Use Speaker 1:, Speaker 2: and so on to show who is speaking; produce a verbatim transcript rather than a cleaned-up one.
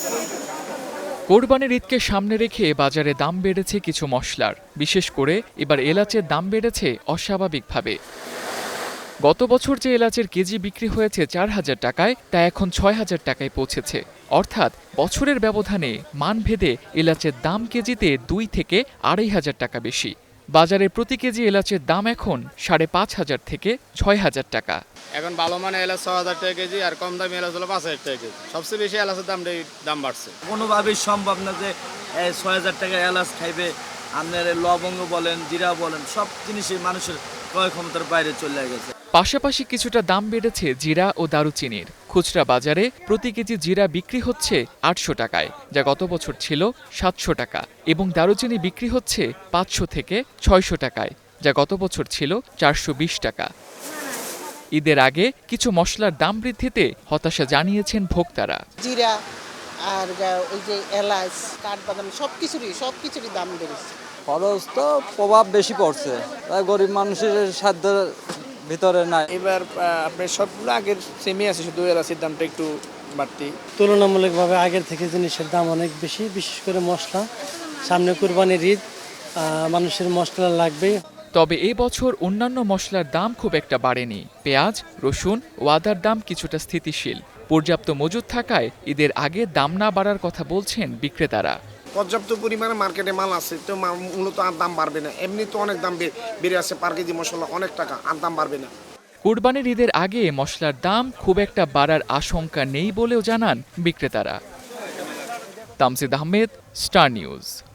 Speaker 1: কোরবানির ঈদকে সামনে রেখে বাজারে দাম বেড়েছে কিছু মশলার, বিশেষ করে এবার এলাচের দাম বেড়েছে অস্বাভাবিকভাবে। গত বছর যে এলাচের কেজি বিক্রি হয়েছে চার হাজার টাকায়, তা এখন ছয় হাজার টাকায় পৌঁছেছে। অর্থাৎ বছরের ব্যবধানে মানভেদে এলাচের দাম কেজিতে দুই থেকে আড়াই হাজার টাকা বেশি। বাজারে প্রতি কেজি এলাচের দাম এখন সাড়ে পাঁচ হাজার থেকে ছয় হাজার টাকা।
Speaker 2: এখন ভালো মানে এলাচ ছয় হাজার টাকা কেজি, আর কম দামি এলাচ হলো পাঁচ হাজার টাকা কেজি। সবচেয়ে বেশি এলাচের দামটাই দাম বাড়ছে।
Speaker 3: কোনোভাবেই সম্ভব না যে ছয় হাজার টাকা এলাচ খাইবে। আপনার লবঙ্গ বলেন, জিরা বলেন, সব জিনিসই মানুষের ক্রয় ক্ষমতার বাইরে চলে গেছে।
Speaker 1: পাশাপাশি কিছুটা দাম বেড়েছে জিরা ও দারুচিনির। খুচরা বাজারে প্রতি কেজি জিরা বিক্রি হচ্ছে আটশো টাকায়, যা গত বছর ছিল সাতশো টাকা, এবং দারুচিনি বিক্রি হচ্ছে পাঁচশো থেকে ছয়শো টাকায়, যা গত বছর ছিল চারশো বিশ টাকা। ঈদের আগে কিছু মশলার দাম বৃদ্ধিতে হতাশা জানিয়েছেন ভোক্তারা।
Speaker 4: জিরা আর ওই যে এলাচ, কাঠবাদাম সব কিছুরই সব কিছুরই দাম বেড়েছে।
Speaker 5: খরচ তো প্রভাব বেশি পড়ছে, গরিব মানুষের সাধ্যের ভিতরে নাই।
Speaker 6: এবার আপনার সবগুলো আগের সেমই আছে, শুধু এলাচের দামটা একটু বাড়তি।
Speaker 7: তুলনামূলকভাবে আগের থেকে জিনিসের দাম অনেক বেশি, বিশেষ করে মশলা। সামনে কুরবানির ঈদ, মানুষের মশলা লাগবে।
Speaker 1: তবে এই বছর অন্যান্য মশলার দাম খুব একটা বাড়েনি। পেঁয়াজ, রসুন ও আদার দাম কিছুটা স্থিতিশীল। পর্যাপ্ত মজুদ থাকায় ঈদের আগে দাম না বাড়ার কথা বলছেন বিক্রেতারা।
Speaker 8: পর্যাপ্ত পরিমাণে মার্কেটে মাল আছে, তো মূলত আর দাম বাড়বে না। এমনি তো অনেক দাম বেড়ে আছে, পার কেজি মশলা অনেক টাকা, আর দাম বাড়বে না।
Speaker 1: কুরবানির ঈদের আগে মশলার দাম খুব একটা বাড়ার আশঙ্কা নেই বলেও জানান বিক্রেতারা। Tamjid Ahmed, Star news.